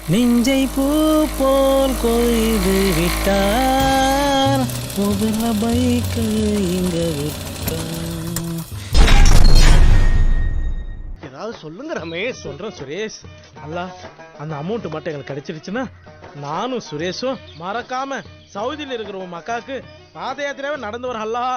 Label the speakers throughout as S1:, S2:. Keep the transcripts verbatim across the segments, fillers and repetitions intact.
S1: நெஞ்சை பூ போல் கொய்து விட்டார் முதல பைக்கு இங்க
S2: ஏதாவது சொல்லுங்க ரமேஷ்.
S3: சொல்றேன் சுரேஷ். அல்லா அந்த அமௌண்ட் மட்டும் எங்களுக்கு கிடைச்சிருச்சுன்னா நானும் சுரேஷும் மறக்காம சவுதியில் இருக்கிற உன் மக்காக்கு பாத யாத்திரையாவே நடந்து வர. அல்லா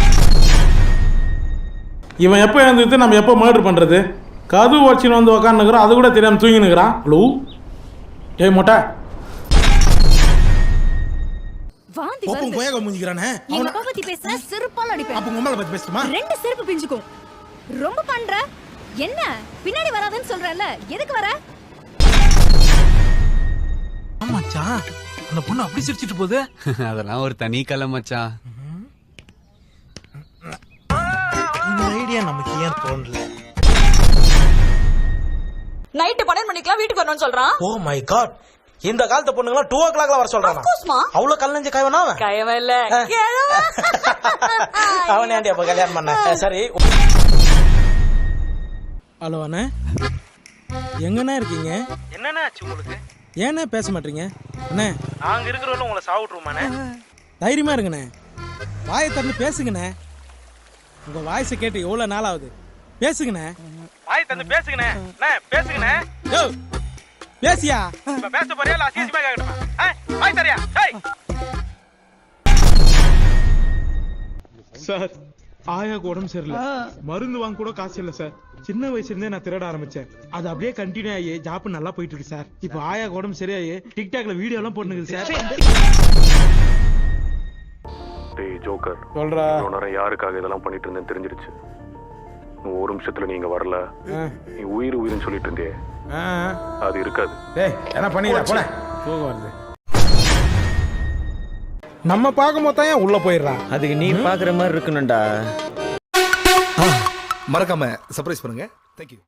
S4: இவன் எப்போ எழுந்துட்டு நம்ம எப்போ மர்டர் பண்ணுறது? கது வச்சுன்னு வந்து உக்காந்துக்கிறோம், அது கூட தெரியாமல் தூங்கினுக்கிறான். ஹலோ ஏய் மொட்டை
S5: வாந்தி
S6: போப்பம்
S5: வருது.
S6: கோயக மூஞ்சிக்கறானே.
S5: எங்க அப்பா பத்தி பேசுனா செருப்பால அடிப்பேன்.
S6: அப்ப உங்க அம்மால பத்தி பேசுமா?
S5: ரெண்டு செருப்பு பிஞ்சுக்கும். ரொம்ப பண்ற. என்ன பின்னாடி வராதன்னு சொல்றல, எதுக்கு வர?
S6: ஆமாச்சான், அந்த பொண்ணு அப்படி சிரிச்சிட்டு போகுது.
S7: அதெல்லாம் ஒரு தனி கலை மச்சான்.
S6: இந்த ஐடியா நமக்கு ஏன் தோணல?
S8: நைட் பன்னெண்டு மணிக்கெல்லாம் வீட்டுக்கு வரணும்னு சொல்றான்.
S1: ஓ மை காட், இந்த காலத்து பொண்ணுங்களா டூ ஓ கிளாக்ல வர சொல்றாங்க. அவ்வளவு கல்லஞ்சு கைவனா அவன்?
S8: கயவன் இல்ல
S1: அவன் ஏன்டி அப்ப கல்யாணம் பண்ண? சரி.
S3: ஹலோ அண்ணே, எங்கண்ணா இருக்கீங்க?
S2: என்னண்ணே ஆச்சு உங்களுக்கு?
S3: ஏண்ணே பேச மாட்டீங்க? அண்ணே
S2: நாங்க இருக்கிறவங்க உங்களை சாவிட்டுருமாண்ணே.
S3: தைரியமா இருங்கண்ணே, வாயை திறந்து பேசுங்கண்ணே. உங்க வாய்ஸை கேட்டு எவ்வளவு நாள் ஆகுது, பேசுங்கண்ணே.
S2: வாய் தந்து பேசுங்கண்ணே. அண்ணே பேசுங்கண்ணே.
S3: யோ பேசியா?
S2: இப்ப பேச போறியா இல்ல அசிங்கமா கேக்கணுமா? வாய் தரியா? ஏய்
S4: சார், ஆயாக்கு உடம்பு சரியில்லை, மருந்து வாங்க கூட காசு இல்லை சார். சின்ன வயசுல இருந்தே நான் திருட ஆரம்பிச்சேன், அது அப்படியே கண்டினியூ ஆகி ஜாப் நல்லா போயிட்டு இருக்கு சார். இப்போ ஆயாக்கு உடம்பு சரியாகி டிக்டாக்ல வீடியோ எல்லாம் போட்டுனுக்குது சார்.
S9: டேய் ஜோக்கர்,
S4: சொல்றா.
S9: இவ்வளவு நேரம் யாருக்காக இதெல்லாம் பண்ணிட்டு இருந்தேன்னு தெரிஞ்சிருச்சு. இன்னும் ஒரு நிமிஷத்துல நீங்க வரல, நீ உயிர் உயிர்னு சொல்லிட்டு இருந்தே, அது இருக்காது.
S4: டேய் என்ன பண்ணிடா போல. தூக்கம் வருது. நம்ம பார்க்கும் போது தான் உள்ள போயிடுறான்.
S1: அதுக்கு நீ பாக்குற மாதிரி இருக்கணும்டா.
S6: மறக்காம சர்ப்ரைஸ் பண்ணுங்க. Thank you.